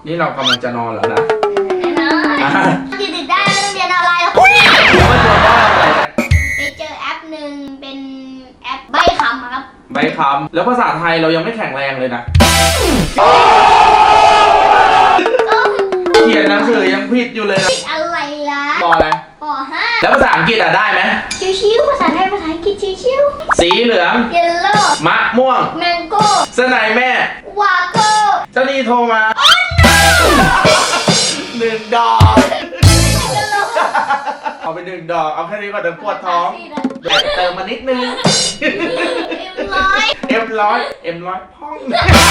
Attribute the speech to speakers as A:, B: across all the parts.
A: นี่เรากำลังจะนอนแล้วนะ
B: ตื่นได้ไม่ต้องเรียนอะไรหรอก
A: แล้วมันชวนว่าอะไรเนี่ย
B: ไปเจอแอปหนึ่งเป็นแอปใบคำครับ
A: ใบคำแล้วภาษาไทยเรายังไม่แข็งแรงเลยนะเขียนหนังสือยังผิดอยู่เลยนะ
B: อะไรล่ะ
A: ปออะไร
B: ป .5
A: แล้วภาษาอังกฤษได้ไหม
B: ชิวๆภาษาไทยภาษาอังกฤษชิว
A: สีเหลือง
B: ๆเยลโล่
A: มะม่วง
B: แมงโก้
A: สไนแม่
B: วาโก้
A: เจ้านี่โทรมา1 ดอก เอาไป1 ดอกเอาแค่นี้ก่อนเดี๋ยวปวดท้องเติมมานิดนึงM100พ่อง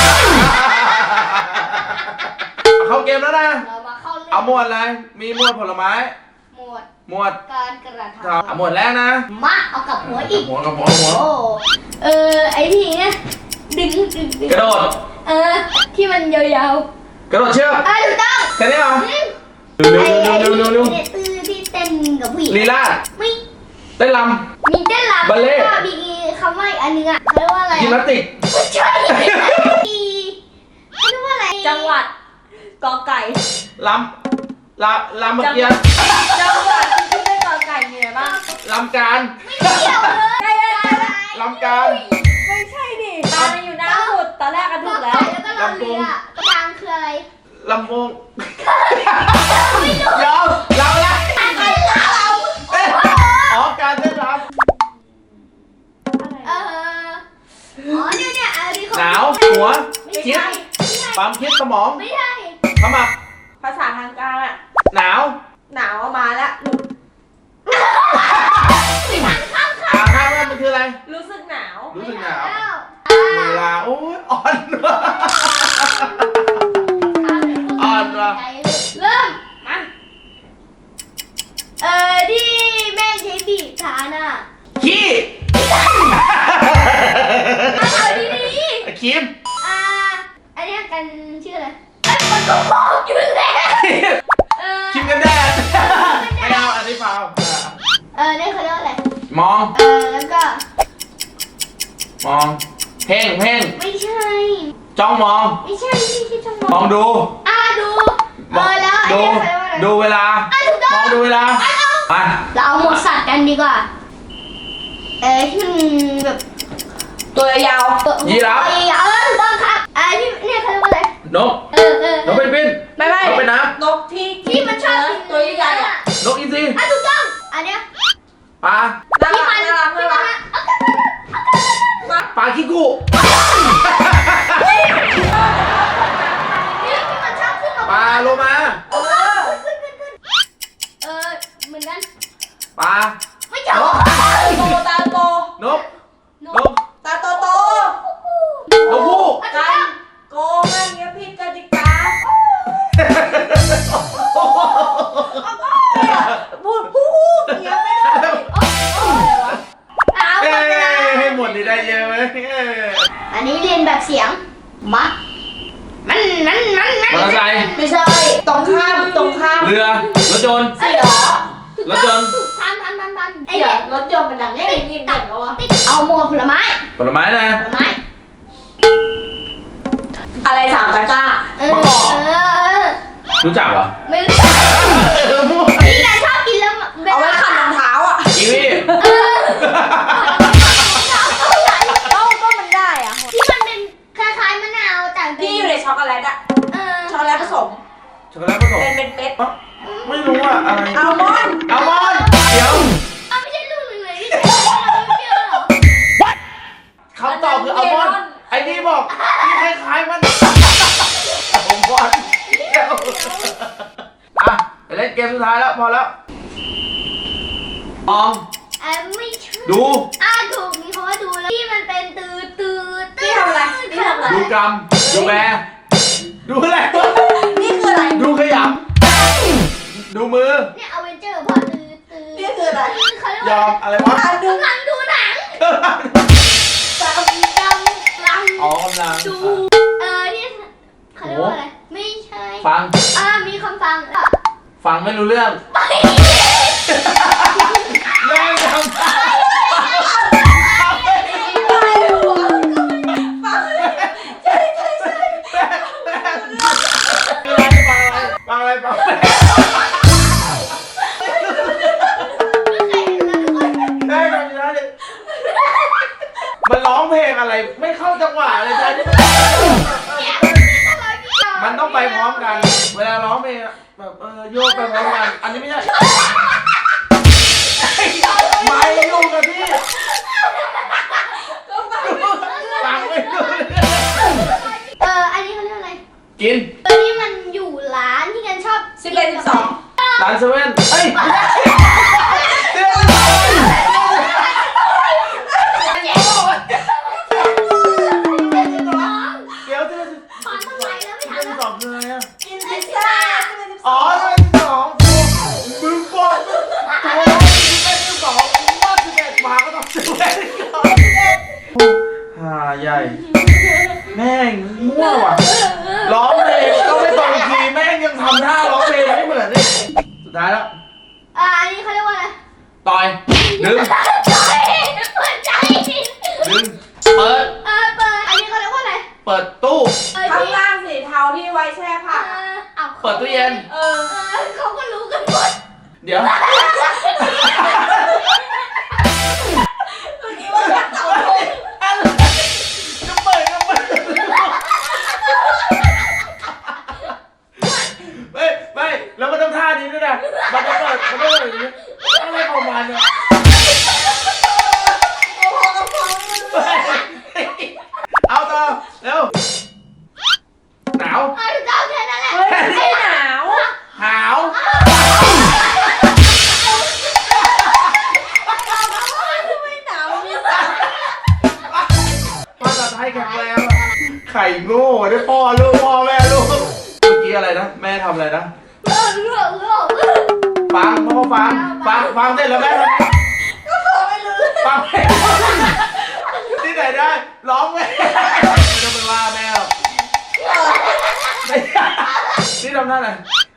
A: เข้าเกมแล้วนะ
B: เรามาเข้าเรื่อง
A: เอาหมวดอะไรมีหมวดผลไม้ หมวด
B: การกระท
A: เอาหมวดแรกนะ
B: ำมาเอากับหัวอีก
A: หัวกับหัว
B: โอ้ไอ้ที่เนี่ยดึง
A: กระโดด
B: ที่มันยาว
A: กระโดดเชือก
B: ๆถูกต้อง
A: แค่นี้เหรอ
B: ไอ้
A: เร็วๆ
B: เนี่ยตื้อที่เต้นกับผู้หญิง
A: ลีลา
B: ไม่
A: เต้นร
B: มีเต้นรำ
A: บัลเล่ต์
B: แล้วก็มีคำว่าอีกอันนึงอ่ะเขาเรียกว่าอะไร
A: ำยิมนาสติก
B: ไม่ใช่เขาเรียกว่าอะไร
C: จังหวัดกอไก่
A: ลำเมื่อกี้
C: จังหวัดที่เป็นกอไก่มีอะไรบ้าง
A: ลำการ
B: ไม่เกี่ยวเลย
C: ใกล้ๆ
A: ลำการ
C: ไม่ใช่ดิตามันอยู่หน้าสุดตอนแรกก็ถูกแล้ว
B: แล้วก็เราเรือกลางคืออะไร
A: ลำวงยอมเราละ
B: ไม่เรา
A: อ๋อการเต้นร
B: เนี่ยอันนี้
A: ำหนาวหัว
C: ไม่
A: คิด
C: ใช่
A: ความคิดสมอง
B: ไม่ใช่
A: ขมับ
C: ภาษาทางการอะ
A: หนาว
C: หนาวเอามาแล้ว
A: ข้างว่ามันคืออะไร
C: รู้สึกหนาว
A: รู้สึกหนาวเวลาโอ้ยอ่อนว่ะ
B: เริ่มมาที่แม่ใช้บีบทานอ่ะ
A: ขี้
B: เอาดี
A: ครีม
B: ๆอันนี้กันชื่ออะไรมันก็บอกอยู่แล้ว
A: ครีมกันแดดไม่เอาอันนี้เปล่า
B: นี่เขาเรียกว่าอะไร
A: มอง
B: แล้วก็
A: มองเพ่ง
B: ไม่ใช่
A: จ้องมอง
B: ไม่ใช่ที่ช่อง
A: มองดู
B: ดูแล้ว
A: ดู
B: อันนี้เขาเรียกว่าอะไร
A: ดูเวลา
B: ถูกต้
A: ม
B: อ
A: อง งดูเวลามา
B: เราเอาหมดสัตว์กันดีกว่าที่มันแบบ
C: ตัวยาว
A: ยีราฟ
B: ถูกต้องครับที่เนี่ยเขาเรียกว่าอะไร
A: นกนกเป็นบิน
C: ไม่
A: นกเป็นน้
C: นกที่
B: ที่มันชอบกิน
C: ตัวใหญ่ๆอะ
A: ำนกอินทรี
B: ถูกต้องอันเนี้ย
A: ปลา
C: น่า
B: ที่
C: รัก
B: มัน
C: น่ารัก
B: ที่
C: น่า
B: มัน
C: รัก
A: ปลาขี้กุ
B: ที่มันชอบขึ้นมา
A: ปลาโลมา
B: ขึ้นเหมือนกัน
A: ปลา
B: ไม่ใช่
C: โตตาโต
A: นก
B: น
A: น
B: ก
A: ก
C: ตาโตโต
A: นกฮูก
C: กันโกงอะไรเงี้ยผิดกติกาพูดอย่างเงี้ยไม่ได้
A: เอ้ยให้หมดนี่ได้เยอะไหม
B: อันนี้เรียนแบบเสียงมัดมัน
A: มอเตอร์ไซค์
C: ไม่ใช่ตรงข้าม
A: เรือรถยนต์
C: เสือ
A: รถยนต์
B: ทันไอ้
C: เดี๋ย
B: เนี่
C: วย รถยนต์มันดังเงี้ยยิ่งเด็กแล้วอะ
B: เอาหมวกผลไม้
A: ผลไม้นะ
B: ผลไม้
C: อะไรสามตะกร้า
A: รู้จักเหรอ
B: ไม่รู้พี่แกชอบกินแล้ว
C: เอาไว้ขัดรองเท้าอ่ะ
A: กีวี
C: ก็มันได้อ่ะ
B: ที่มันเป็นคล้ายๆมะนาวแต่
C: ที่อยู่ในช็อกโกแลตอ่ะช็อกโกแลตผสม
A: ช็อกโกแลตผสม
C: เป็นเม็ด
A: ไม่รู้อะอะไร
C: อัลมอนด์
A: อัลมอนด์เดี๋ยว
B: ไม่ใช่ลูกหนึ่งเลยที่เราไม่เชื่อหรอ
A: คำตอบคืออัลมอนด์ไอ้นี่บอกที่คล้ายๆมันผมบอลอ่ะไปเล่นเกมสุดท้ายแล้วพอแล้วมอง
B: ไม่ใช่
A: ดู
B: ถูกมีคำว่าดูแล้วที่มันเป็นตืด
C: นี่ทำอะไรนี่ทำอะไร
A: ดูกรรมดูแบดูอะไรวะ
C: นี่คืออะไร
A: ดูขยำดูมือ
B: เนี่ยอเวนเจอร์พอตืด
C: นี่คืออะไร
B: เขาเรียก
A: ยอ
B: ว่าม
A: อะไรวะ
C: ดู
B: กำลังดูหนังกำลัง
A: อ๋อกำลัง
B: ดูที่เขาเรียกว่าอะไรไม่ใช่
A: ฟัง
B: มีคำฟัง
A: ฟังไม่รู้เรื่องแม่งทำอะไรไม่เข้าจังหวะเลยใช่ไหมมันต้องไปพร้อมกัน เวลาร้องเพลงแบบโยกไปพร้อมกัน อันนี้ไม่ใช่ไม่อยู่กับที่ฟังไม่ดูเลย
B: อันนี้เขาเรียกอะไร
A: กิน
B: อันนี้มันอยู่ร้านที่กันชอบ
C: 11 12
A: ร้านเซเว่นเฮ้ยเดี๋ยวเดี๋ยว
B: ขอทำไมแล้วไม่
A: เดือน
B: ทำ
A: สองคืออะไรอ่ะ
C: กินพิซซ่า
A: อ๋อเดือนสองมึงบอกโอ้ยเดือนสองว่า11มาก็ต้อง11ฮ่าใหญ่แม่งมั่วว่ะร้องเพลงก็ไม่ตรงคีย์แม่งยังทำท่าร้องเพลงไม่เหมือนเลยสุดท้ายแล้ว
B: อันนี้เขาเรียกว่าอะไร
A: ต่อยดึง
B: ใจเปิดใจ
A: ดึงเปิด
B: เปิดอันนี้เขาเรียกว่าอะไร
A: เปิดตู้
C: ข้างล่างสีเทาที่ไว้แช่ผัก
A: เปิดตู้เย็น
B: เขาก็รู้กันหมด
A: เดี๋ยว
C: ตัวนี้ว่าจะเต่าทง
A: อะไรจะเปิดก็เปิดไม่แล้วมันต้องท่านี้ด้วยนะมันจะเปิดมันต้องอย่างนี้อะไรของมันเนี่ยเอาต่อเร็วหนาว
B: เจ้าแค่นั้นแหละ
C: เฮ้ยไม่หนาว
A: หาว
C: ไม่หนาวมี
A: ภาษาไทยแข็งแรงอะไข่โง่ด้วยพ่อลูกพ่อแม่ลูกเมื่อกี้อะไรนะแม่ทำอะไรนะฟังพ่อฟังเสร็จแล้วแม่ทำไง
C: ก็ขอไม่รู้
A: ฟังไม่รู้ที่ไหนได้ร้องไม่ต้องไปว่าแม่หรอกนี่ทำหน้าไหน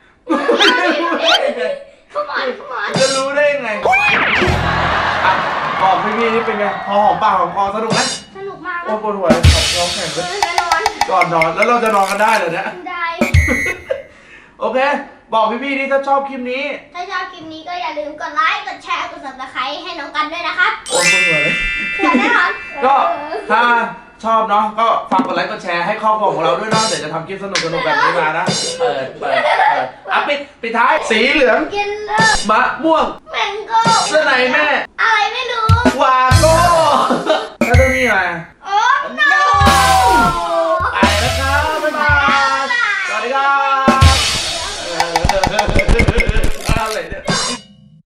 A: จะรู้ได้ยังไงอ่ะบอกพี่นี่เป็นไงพอหอมปากหอมคอสนุกไหม
B: สนุกมาก
A: โอ้ปวดหัวเลยร้องแข่งเลย
B: จะนอน
A: ก่อนนอนแล้วเราจะนอนกันได้เหรอเนี่ย
B: ได้
A: โอเค บอกพี่นี่ถ้าชอบคลิปนี้
B: ถ้าชอบคลิปนี้ก็อย่าลืมกดไลค์ กดแชร์ กด subscribe ให้น้องกันด้วยนะครับ
A: โอ้ปวดหัวเลย
B: เผื่อแน่นอน
A: ก็ถ้าชอบเนาะก็ฝากกดไลค์กดแชร์ให้ครอบครัวของเราด้วยเนาะเดี๋ยวจะทำคลิปสนุกแบบนี้มานะเปิดอ่ะปิดท้ายสีเหลือง
B: กินเลิก
A: มะม่วง
B: แมงโก้
A: เสื้อในแม่
B: อะไรไม่รู้
A: วาง